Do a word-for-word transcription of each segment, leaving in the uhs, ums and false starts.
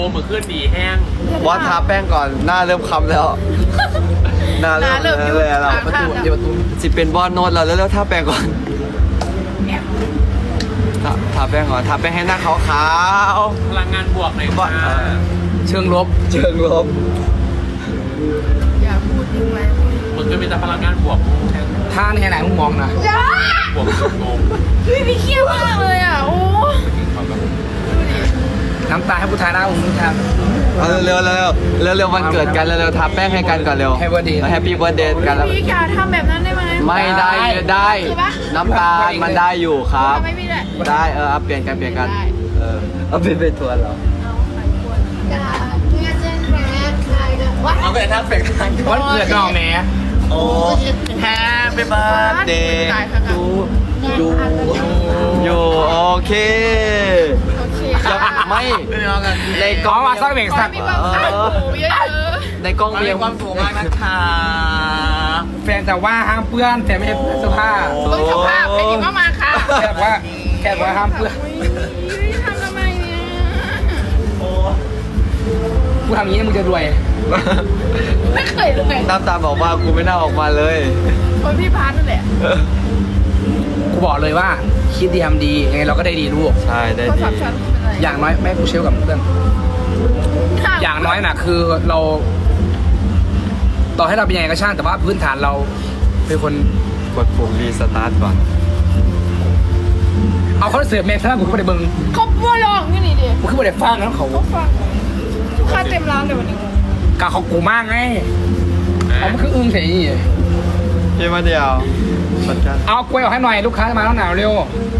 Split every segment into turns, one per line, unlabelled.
มือขึ้นดีแห้ง
บอสทาแป้งก่อนหน้าเริ่มคำแล้วหน้าเริ่มเลยเราประตูเดี๋ยวประตูสิเป็นบอสโน้ตเราแล้วๆทาแป้งก่อนทาทาแป้งก่อนทาแป้งให้หน้าขาว
พลังงานบวกหน่อย
ๆบอ
ค่ะ
สเชิงลบเชิงลบ
อย่าพูดทิ้งไว้
มือขึ้นมีแต่พลังงานบวกแห้ง
ท่าในไหนมึงมองนะ
อย่า
บวกสุดงง
พี่พี่เขี้ยวมากเลยอ่ะโอ้ดูดิ
น้ำตาให้ผู้ชายหน้ามึงท
เอาเร็วๆเร็วๆเร็วๆวันเกิดกันเร็วๆทาแป้งให้กันก่อนเร็ว
Happy birthday
แฮปปี้เบิร์ดเดย์กันแล้ว
พี่อย่าทำแบบนั้นได้ไหม
ไม่ได้ได้
คือปะ
น้ำตาลมันได้อยู่ครับ
ทำไมไม่ได้
ได้เออเอาเปลี่ยนกันเปลี่ยนกัน
ได้
เออเอาเป็นเป็นทัวร์เหรอ
เอาไข่ควรกาเมื่อเจนแรกใครเด้อวะ
เอาไปทักเป็นกัน
ำวันเกิดน้องแม่
โอ้แฮปปี้เบิร์ดเดย์ดูดูอยู่โอเค
โอเค
จะไม่ในก
ก้
ล้
อ
อง
มาสักเบรกสัก
มีความสุขเยอะ
ในกล้องมีความสุขมากนะคะ
แฟนแต่ว่าห้ามเปื้อนแต่ไม่ใช่เสื้อผ้า
ๆต้องสภาพเป็นยังมาค่ะ
แค่บอกว่าแค่บอกว่าห้ามเปื้อน
ทำทำไมเนี่ย
กูทำอย่างนี้มึงจะรวย
ไม่เคยเลย
น้ำตาบอกว่ากูไม่น่าออกมาเลย
คนพี่พาร์ทนั่นแหละ
กูบอกเลยว่าคิดดีทำดียังไงเราก็ได้ดีลูก
ใช่ได้
โทร
ดี
ศัพท์ฉันเป็นไร
อย่างน้อยแม่กูเชลกับเพื่อนอย่างน้อยน่ะคือเรา ต่อให้เราเป็นยังไงก็ช่างแต่ว่าพื้นฐานเราเป็นคน
กดปุ่มรีสตาร์ทก่อน
เอาคอนเสิร์ตแม่ท่านกูก็ไม่ได้เบิ่ง
เขาบัวลองนี่นี่ดิ
กูคือไม่ได้ฟังแล้วเขา
เขาฟังลูกค้าเต็มร้านเลยวันนี้
กาเขากูมากไงเอามันคืออึ้งเฉย
พี่มาเดียวสัญญาณ
เอากล้วยออกให้หน่อยลูกค้าจะมาแล้วหนาวเร็ว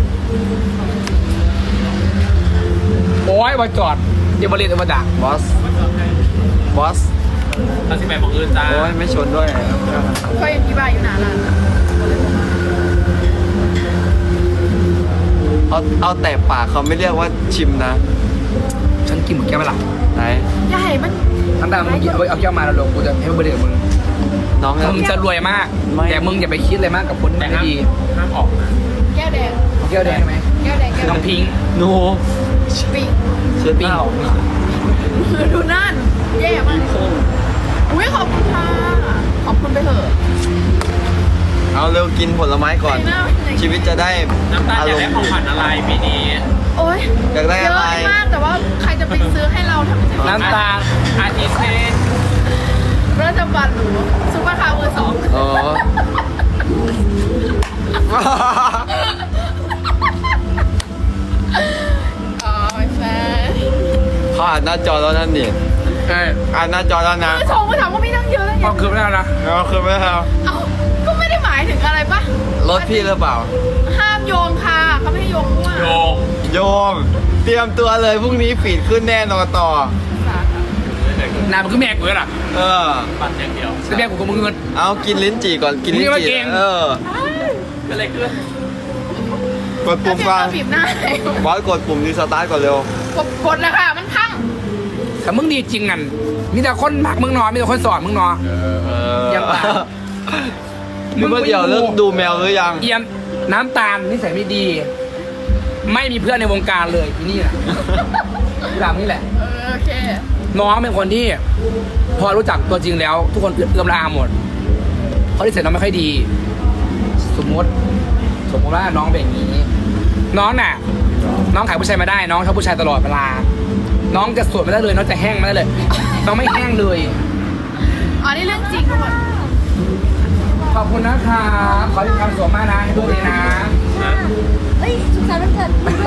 โอ้ยมาจอดเดี๋ยวบริษัทมาดัก
บอสบอส
ถ้าสิบแปดของอื่นจ้า
โอ้ยไม่ชนด้วย
เขายังพี่บายอยู่นานละ
เอาเอาแต่ปากเขาไม่เรียกว่าชิมนะ
ฉันกินหมดแก้วไปละ
ไหน
ใหญ่มัน
ทั้งแต่มึงเอาเอาแก้วมาแล้วลงกูจะให้บริษัทมึง
น้อง
มึงจะรวยมาก
ไม่
แต่มึงอย่าไปคิดเลยมากกับคน
แต่
ไม่
ห้าม
ดี
ห้ามออกนะ
แก้วแดง
เอาแก้วแดงไหม
แก้วแดงแก้ว
น้องพิงค์
หนู
ปิง
เช็ดหน้าออก
คือดูนั่นแย่มากอุ้ยขอบคุณค่ะขอบคุณไปเถอะ
เอาเร็วกินผลไม้ก่อน
ไปหน้าไปไหน
ชีวิตจะได้
น้ำตาลอยากได้ของขวัญอะไรปีนี้
โอ้ย
อยากได้
เย
อะไร
อะมากแต่ว่าใครจะไปซื้อให้เราทำ
น้ำตาล
อาทิเซ่น
รัฐบาลหนูซุปเปอร์คาร์เบอร์สอง
อ๋อ
อ๋อไม่ใช่
เขาอ่านหน้าจอแล้วนั่นนี่
เออ
อ่านหน้าจอแล้วนะ
เบอร์สองมาถามว่ามีตั้งเยอะแล้ว
พ
ยั
อง คืนไม่ได้นะ
เราคือไม่เอา
เอ้าก็ไม่ได้หมายถึงอะไรปะ
รถพี่หรือเปล่า
ห้ามโยงค่ะเขาไม่ให้โยงมั่ว
โยง
โยม เตรียมตัวเลยพรุ่งนี้ฟีดขึ้นแน่นอนต่อ
นายมันคือแม่กูเลยล่ะ
เออ
ปัดอย่างเดียว
แต่แม่กูกับมึงเงิน
เอากินลิ้นจี่ก่อนกินลิ้น
นี่ว่า
จี่
เก่ง
เออ
ก็เลยขึ้น
กดปุ่ม
ก่
ก่
อ
อน น
บีบหน้า
บอสกดปุ่มรีสตาร์ทก่อนเร็ว
กดกดแล้วค่ะมันพัง
แต่มึงดีจริงนั่นมีแต่คนหมักมึงนอนมีแต่คนสอนมึงนอน
เออ
ยังเปล่า
นี่เมื่อเดียวเลิกดูแมวหรือยัง
เอียนน้ำตาลนิสัยไม่ดี ไม่มีเพื่อนในวงการเลยที่นี่แหละหลังนี่แหละ
เออโอเค
น้องเป็นคนที่ พอรู้จักตัวจริงแล้ว ทุกคนเอื้อมละอาหมดเขาที่เสร็จน้องไม่ค่อยดี สมมติ สมมติว่าน้องเป็นอย่างนี้ น้องน่ะ น้องขายผู้ชายมาได้ น้องชอบผู้ชายตลอดเวลา น้องจะสวยไม่ได้เลย น้องจะแห้งไม่ได้เลย น้องไม่แห้งเลย
อ๋อนี่เรื่องจริงทุกคน
ขอบคุณนะครับขอให้มีความสุขมากนะให้ดูดีนะ
เฮ้ยสุขสันต์วันเกิด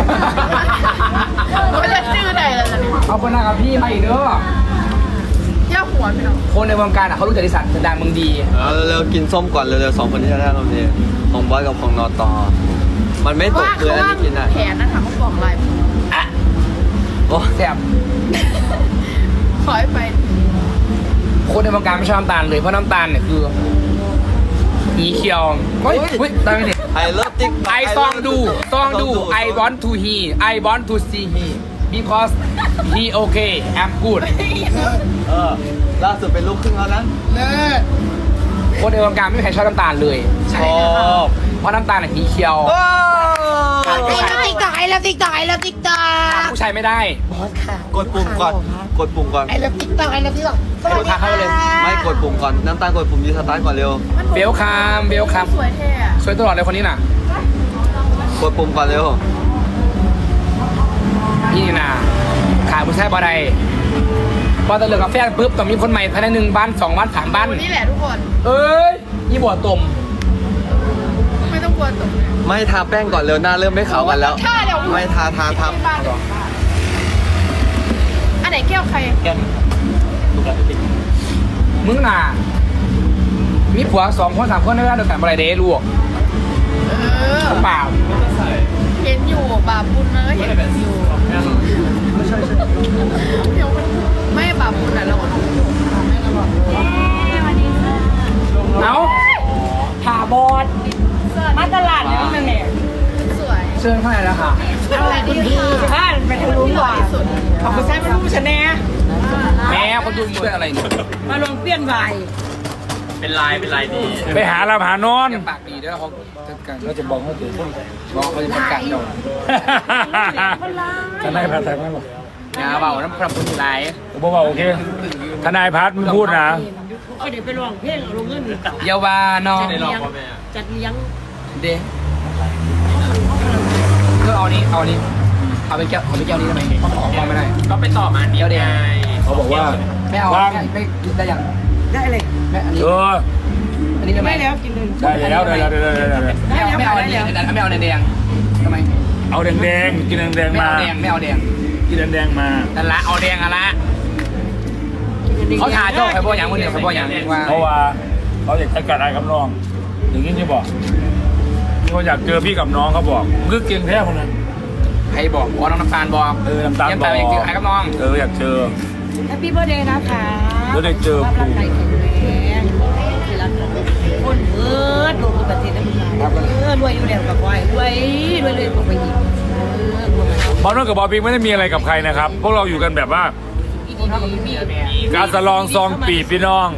เขาจะชื่อใดแล้วเนี่ย
ขอบคุณนะครับพี่มาอีกเด้อย่
าหัวพี่น้อง
คนในวงการอ่ะเขารู้จักดิสันดังมึงดี
เอาเร็วๆกินส้มก่อนเร็วๆสองคนที่จะได้รอบนี้ของบอสกับของนอตอมันไม่ตก
ว่า
เลย
เขา
อัน
ว่า
นี้กินอ่ะ
แผนนะคะเขาบอกไลน์
โอ้
แซ่บ
ขอให้ไป
คนในวงการไม่ชอบน้ำตาลเลยเพราะน้ำตาลเนี่ยคืออีเขียวเฮ้ยเฮ้ยตายไปเนี่ย
ไอเลิฟติ๊ก
ไอซองดูซองดู I want to he I want to see he because he okay I'm good
เออล่าสุดเป็นลูกครึ่งแล้วนะ
คนในวงการไม่มีใครชอบน้ำตาลเลย
ชอบ
เพราะน้ำตาลเนี่ยสีเขียว
โอ้
ไก่ไก่
ตอกไอเลิฟติ๊กตอกไอเลิฟติ๊กตอก
ผู้ชายไม่ได้
บอสค่ะ
กดปุ่มก่อน กดปุ่มก่อน
ไอเลิฟติ๊กตอกไอเลิฟติ๊กตอก
ให้ลูกค้าเข้าเลย
ไม่กดปุ่มก่อน น้ำตาลกดปุ่มยูสตาร์ทก่อนเร็ว
เบลคามเบลคาม
สวยเท่อะ
สวยตลอดเลยคนนี้น่ะ
กดปุ่มก่อนเร็ว
นี่น่ะขายผู้ชายบ่ได้พอตะเลือกกาแฟปุ๊บต้องมีคนใหม่ภายในหนึ่งบ้านสองบ้านสามบ้าน
นี่แหละทุกคน
เอ้ยยี่บัวตม
ไม่ต้องกลัวตกเลย
ไม่ทาแป้งก่อนเร็วหน้าเริ่มไม่ขาวกันแล้ว
ถ้าเดี๋ยว
ไม่ทาทาทา
อันไหนแก้วใคร
มึงน่ะมีผัวสองคนสามคนในเวลาเดียวกันบ่ได้เด้ลูก
เออ
เปล่า
เห็นอยู่บาปบุญนะก็เห็นอยู่เดี๋ยวมันไม่บาปบุญอ่ะเราก็ต้อง
เอา
ขาบอดมาตลาดแล้วนั่นแหละ
สวย
เชิญเข้าไปแล้วค่ะ
อะไรดีค่ะ
บ้านไปทะลุ
ที่ห
ก
ล่อ
ว่า
ที่สุด
เอาไปใช้ไม่รู้ฉันแน่
แม่คนดูมืออะไรเนี่ย
มาลงเปลี่ยนใบ
เป็นลายเป็นลายดี
ไปหาลาหานอน
แกปากดีด้วยเขาจัดการเขาจะบอกเขาถึงบอกเขาจะประกาศเรา
ทนายพัฒน์ทางนั้นหรอ
อย่าเบาน้ำพระพุทธไหล
ผมบอกว่าโอเคทนายพัฒน์มึงพูดนะ
ก็เดี๋ยวไปลองเพลงลงเงิน
เยาวาน้อง
ได้ลองพ่อแม่
จัดเลี้ยง
เด้ก็เอานี้เอานี้เอาไปแก้วเอาไปแก้วนี้ได้ไหมออกไม่ได้
ก็ไปต่อมาอันนี้
เดี๋ยวเดี๋ยว
ไง
เขาบอกว่า
ไม่เอา
ฟัง
ไม่ไม่ได้ยัง
ได้เลย
ไม่อันนี้
เออ
อันนี้ได้ไหม
ได้แล้วกินเลย
ได้แล้วได้แล้วได้แล้วได้แล้ว
ไม่เอาไม่เอาอันนี้ไม่เอาแดงทำไม
เอาแดงๆกินแดง
ไม่
ๆมา
เอาแดงไม่เอาแดง
กินแดงๆมา
นั่นละเอาแดงอะละเขาถ่ายเจ้าใครบอกอย่างคนเดียวใครบอกอย่างว่า
เพราะว่าเขาอยากใช้การอายกับน้องอย่างนี้ที่บอกมีคนอยากเจอพี่กับน้องเขาบอกคือเก่งแท้คนนั้น
ใครบอกอ๋อน้องน้ำตาลบอก
เออน้ำตาล
ยัง
บอ
ตาก ลยังเจอใครกับน้อง
เอออยากเจอ
แฮปปี้เบิร์ดเดย์นะคะ
แล้วได้เจอ
ภาพร่างกายแข็งแรงที่รักคนเบิร์ดลงประเทศได้ไหมเออรวยอยู่แล้วกับวายรวยรวยเลยตกไปอีกเออรวย
บอลนนกับบอลปิงไม่ได้มีอะไรกับใครนะครับ พวกเราอยู่กันแบบว่า
อีดีมี
การสลองซองปีบพี่น้อง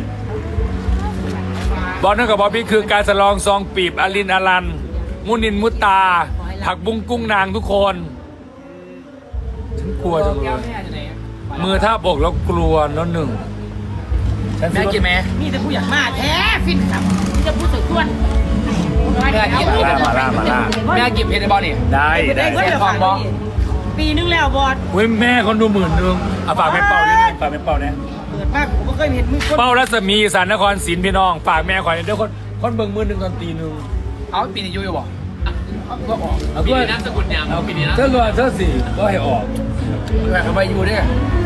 บอลนั่นกับบอลพี่คือการสลองซองปีบอลินอลัน มุนินมุตตา ผักบุ้งกุ้งนางทุกคนฉันกลัวจังเลยมือท่าบบอกแล้วกลัวน้อหนึ่งฉัน
แม่กินไหม
มีแต่ผู้อยากมาแท้ฟินครับมีแต่ผู้สวยส่วน
แม่กิน
มาล่ามาล่ามาล่า
แม่กินเพชรในบอลนี่
ได้ได้
เสียฟองบอปีนึงแล้วบอส
เว้ยแม่คนดูหมื่นหนึงเอาฝากแม่เป่านิดนึงฝากแม่เป่าเนี่ย
เปิดมากผมก็เคยเห็นมึงคน
เป่ารัศมีสารนครศรีพี่น้องฝากแม่ขอยเดี๋ยวคนคนเบิ่งมือหนึ่งตอนตีหนึ่ง
เอาปีนี้ยูอยู่บ่ก็ออก
เอา
ปี
ด้วย
นี้นามสกุลยังปีนี้นะ
เจ้าตัวเจ้าสี่ก็ให้ออก
ด้วยเขาไปยูด้วย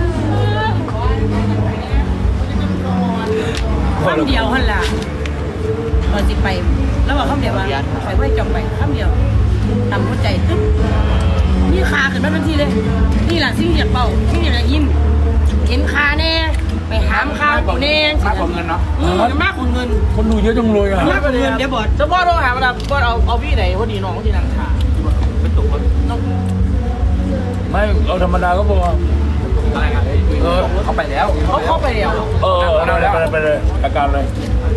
คำเดียวหันล่ะตอนสิไป แล้วบอกคำเดียวว่าไปไว้จองไปคำเดียวทำหัวใจตึ๊บนี่คาขึ้นมาทันทีเลย นี่แหละสิ่งอยากเป่าสิ่งอยากยิ้มเห็นคาแน่ไปหามคาเป่าแน่
มากกว่าเงินเนาะ
อืมมากกว่าเงิน
คนดูเยอะจังเลยอ่ะ
มากกว่าเงินเดี๋ยวบอส
จะบอสต้องหามาดับบอสเอาเอาพี่ไหนพอดีน้องที่นั่งขาเป็นตุกคนน้อง
ไม่เอาธรรมดาก็พอ
อะไรกันเออเขาไปแล้วเขาเข้าไปแล้ว
เออเอาไปเลยไปเลยอาการเลย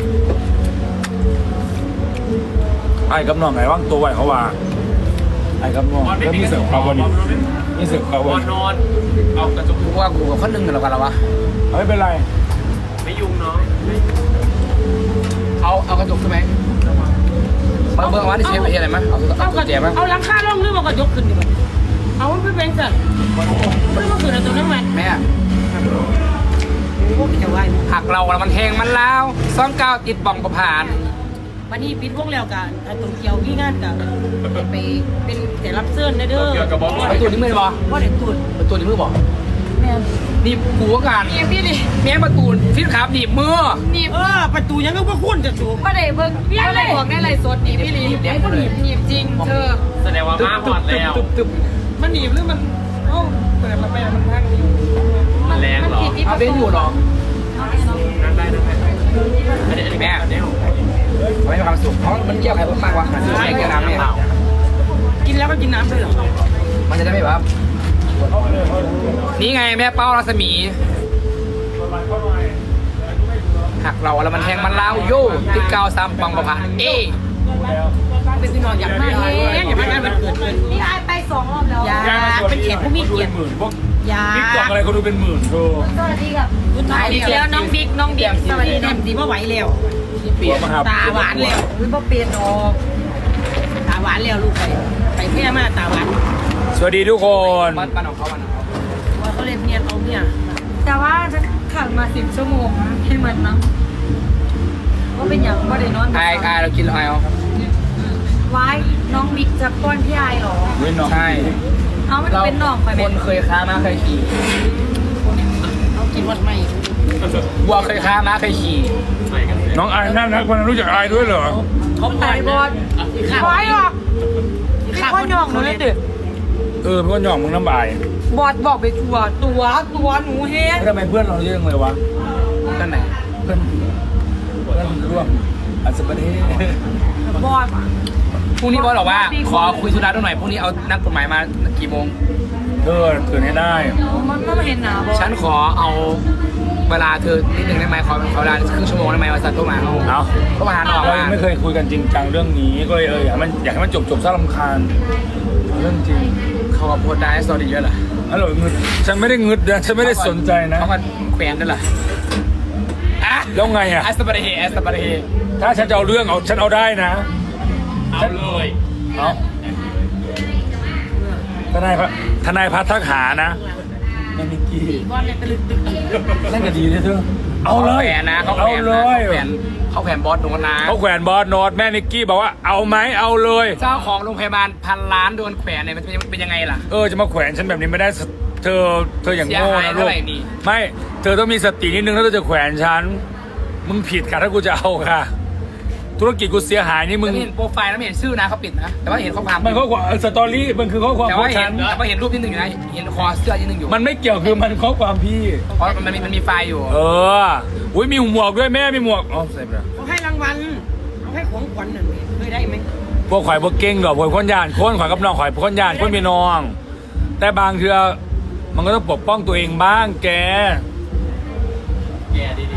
ไอ้กับน้องไงว่างตัวไหวเขาว่าไอ้กับน้อง
บอลไม่
แล้ว
มี
มี
กระจ
เสือก เขาวันนี้มีเสือกเขา
บ
วั
อน ล
นี้
นอนเอากระจก
กูว่ากูกับคนหนึ่งกันแล้วกันแล้ววะ
เอาไม่เป็นไร
ไม่ยุ่งเนาะ
เอาเอากระจกใช่ไหมเบิ่งเบิ่งว่าที่เชฟไปอะไรมั้ยเอา
เอา
กุญแจมั้ย
เอาหลังคาล่องหรือว่ากระยกขึ้นดีกว่าเอามันไปเป็นสัตว์ไม่ต้องขึ้นเอาตัวนั้นมา
แม่
พวกจะไหว
หักเราแล้วมันแทงมันแล้วซ่องเก้าติดบ่องประผ่าน
วันนี้ปิดวงแล้วกันไอ้ตรงเกียวที่งานกันไปเป็นแต่รับเสื้อนะเด้อ
เกี่ยวกับบอล
ประตูนี้มือบ่
ว่าเด็กตุ่น
ประตูนี้มือบ่
แม่
นี่กูว่าการ
นี่พี่นี่
แม่ประตูฟิตขาหนีบมือ
นี่เออประตูยังก็ว่าคุ้นจะสูบ
ก็ได้เบิ่งก็ได้บอกได้ไรสดนี่พี่ลีไอ้คนหนีบหนีบจริงเธอ
แสดงว่ามาหอดแล้ว
ตึบตึบ
มันหนีบหรือมันเอ้าเปิดมาแม่มันพังอยู่
มันแรงเหรอ
เอาเป็นอยู่หรอ
นั่งได้นั่งได้อันนี้อันนี้แม่อันนี้
ไม่มีความสุขเพราะมันเกี่ยวใครมากกว่าไม่เกี่ยวน้ำเนี่ย
กินแล้วก็กินน้ำด้วยเหรอ
มันจะได้ไม่แบบนี่ไงแม่เป้ารัศมีหักเราแล้วมันแทงมันล้าวโย่ติดกาวซ้ำปังประผ่านเอ
เป็นพี่น้องอยากมาเองอยากมางานมันเกิดขึ้น
พี่ไอไปสสองรอบแล้ว
อย่า
ย่ามาชวน
เป็นแขกผู้มีเกียรติ
หมื่นพวก
อย่า
ติ๊กต็อกอะไรเขาดูเป็นหมื่นโธ่
สวัสดีกับ
คุณถ่ายอีกแล้วน้องบิ๊กน้องบิ๊กสวัสดีน้องดีว่าไหวแล้ว
เปลี่ยน
มาหา
ตาหวานแล้วอุ้ยบ่เปลี่ยนออกตาหวานแล้วลูกไปไปแค่มาตาหวาน
สวัสดีทุกคน
บ้านบ้านของเขาบ้านของเขา
ว่าเขาเล่นเนียนเอาเนี่ย
แต่ว่าฉันขับมาสิบชั่วโมงนะให้มันนะว่าเป็นอย่างว่าได้นอน
ไอไอเรากินไอเอา
ไว้น้องบิ๊กจะป้อนพี่ไอเหรอ
ใช่
เอามันเป็นน้องไปไหม
คนเคยค้าม้าเคยขี่
เอากินวัดไม่
วัวเคยค้าม้าเคยขี่
น้องไอ้น่ารักคนนั้นรู้จักไอ้ด้วยเหรอ
เขา
ไอบอล
ข้าว
ไว้หรอก
ข้าว
พ่อหยองหนูเลยดิ
เออเพื่อนหย่องมึงน้ำบาย
บอดบอกไปตัวตัวตัวหนูเฮง
แล้วทำไมเพื่อนเราเรื่องเลยวะ
นั่นไหน
เพื่อนเพื่อนร่วมอัศประเทศ
บอด
พรุ่งนี้บอสบอกว่าขอคุยธุระด้วยหน่อยพรุ่งนี้เอานักกฎหมายมากี่โมง
เออตื่นให้ได้
มันไม่เห็นหนาบอด
ฉันขอเอาเวลาเธอนิดหนึ่งได้ไหมขอขอเวลาครึ่งชั่วโมงได้ไหมวันสัตว์ตัวมาเขา
เอา
เขามาหาน้อง
เรา
ว่า
ยังไม่เคยคุยกันจริงจังเรื่องนี้ก็เลยเอออยากให้มันอยากให้มันจบจบซะรำคาญเรื่องจริง
เขาก็โพสต์ได้สตอรี่เยอะเหรอ
อร่อยงึดฉันไม่ได้งึดนะฉันไม่ได้สนใจนะ
เขาก็แขวนด้วยเหรออ่ะ
แล้วไงอ่ะ
แอสตาบาร์เฮแอสตาบาร์เฮ
ถ้าฉันจะเอาเรื่องเอาฉันเอาได้นะ
เอาเลย
เอาทนายพระทนายพัฒน์ทักหานะแม่นิกกี้
ก้อนเลยตะลึกตึก
เล่นกันดีเลยเธอเอาเล
เขา
ย
แขวนนะเขาแข
เอา
วน
เล
นะ
ย
เขาแขวนเขาแขวนบอสโดนนะ
เขาแขวนบอสโนตแม่นิกกี้บอกว่าเอาไหมเอาเลย
เจ้าของโรงพยาบาลพันล้านโดนแขวนเนี่ยมันเป็นเป็นยังไงล่ะ
เออจะมาแขวนฉันแบบนี้ไม่ได้เธอเธออย่างโง่
เสียหาย
นะลู
เท่าก ไหร่นี่
ไม่เธอต้องมีสตินิดนึงถ้าเธอจะแขวนฉันมึงผิดค่ะถ้ากูจะเอาค่ะ ธุรกิจกูเสียหายนี่มึ
มึ
ง
งเห็นโปรไฟล์แล้วไม่เห็นชื่อนะเขาปิดนะแต่ว่าเห็นข้อความ
มันข้อความสตอรี่มันคือข้อความ
แต่
ขอ
ว่าง เห็
ฉั
น
น
แต่ว่าเห็นรูปนิดนึงอยู่นะเห็นคอเสื้อนิดนึงอยู่
มันไม่เกี่ยวคือมันข้อความพี่
เพราะมันมีมันมีไฟล์อยู่
เอออุ้ยมีหมวกด้วยแม่มีหมวกอ๋อใส่ไปแล้ว
เขาให้รางวัลเขาให้ของขวัญหน่อยเคยได้ไหม
พวกข่อยพวกเก่งดอกพวกคนยานคนข่อยกับน้องข่อยคนยานคนมีน้อง แต่บางเทือมันก็ต้องปกป้องตัวเองบ้างแก
แย่ดีดี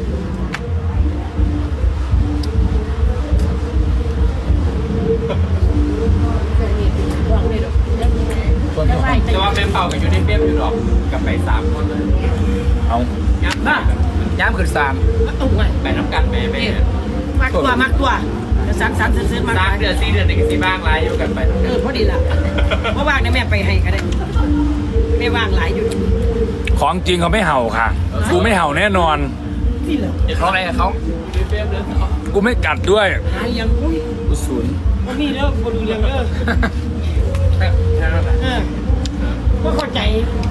วางเลยดอกยังไง
แต่ว่าเป็นเป่ากับยูนิเฟมอยู่หรอกกับไปสามคนเลย
เอา
ยับหน้า
ย้ำขึ้นสาม
ตุ้งไง
ไปน้ำกันแม่แม่
มักตัวมักตัวจะสามสามซื้อมา
สามเดือนสี่เดือนหนึ่งสี่บ้างไรอยู่กันไป
เออพอดีละเพราะว่างเนี่ยแม่ไปให้ก็ได้แม่ว่างหลายอยู่
ของจริงเขาไม่เห่าค่ะ กูไม่เห่าแน่นอน
ที่เหรอ
เขาอะไรกับเขา
ยูนิเฟมเรื่องเขา
กูไม่กัดด้วย
หายังอุ้ย
กูศูนย์
ก็มีแล้วคนดูเรื่องเออ
แค่นั้นแหละ
เออก็เข้าใจ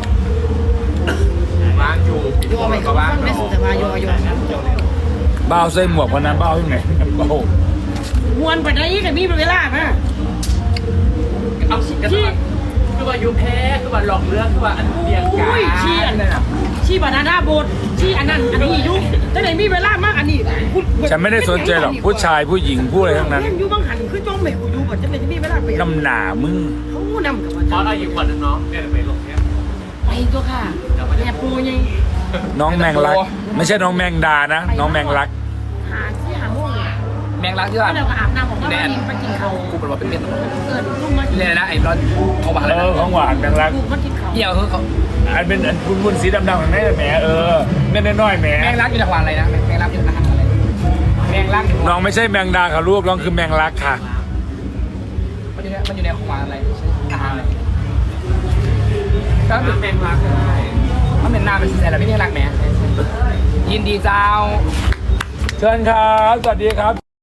วางอยู่ปิด
โย
โทร
ไป
ก็
กับ
วา
บ้าง นไม่สุดแต่ว่าโยโย
บ้าใส่หมวกพนันบ้าที่ไหนโอ้โห
มวนไปได้แต่มีเวลานะ
เอาฉีดกันตัวคือว่ายูแพ้คือว่าหลอกเรื่องคือว่าอันเดียงกา
อุ้ยชี้อันนั้นชี้บานาน่าโบดชี้อันนั้นอันนี้ยุ่งแต่ไหนมีเวลามากอันนี้
ฉันไม่ได้สนใจหรอกผู้ชายผู้หญิงผู้อะไรทั้งนั้น
ยังอยู่บางหันคือจ้องแม่กูอยู่บ่จะไหนจะมีเวลาไป
น้ำหนามึง
เขานำกับ
เพราะเราอยู่ก่อนน้องเนี่ยไปลงเนี่ย
ไปตัวค่ะแม่ปูยัง
น้องแมงลัก ไม่ใช่น้องแมงดานะ น้องแมงลัก
หาที่หาม่วง
แมงลักที่
ก็
ว่า
เราก็อาบน้ำของเราไปกินเขา
กูเป็นว่าเป็นเม็ด
เกิดลูกมา
เลยนะไอ้ร้อนเขาบอกอะไร
เอ
นะ
อของหวานแมงลัก
ลูกมากินเขา
เหี่ยวคือเขา
อันเป็นอันบุญบุญสีดำๆของแม่แหมเออเม็ดน้อยๆแหม
แมงลักอยู่จังหวัดอะไรนะแมงลักอยู่จังหวัดอะไรแมงลัก
น้องไม่ใช่แมงดาค่ะลูกน้องคือแมงลักค่ะ
มันอยู่ในมันอยู่ในของหวานอะไรอาหารอะไรก็
น้ำแมงลักได้
มันเป็นน้ำเป็นอะไรไม่ใช่รักแหมยินดีเจ้า
เชิญครับสวัสดีครับ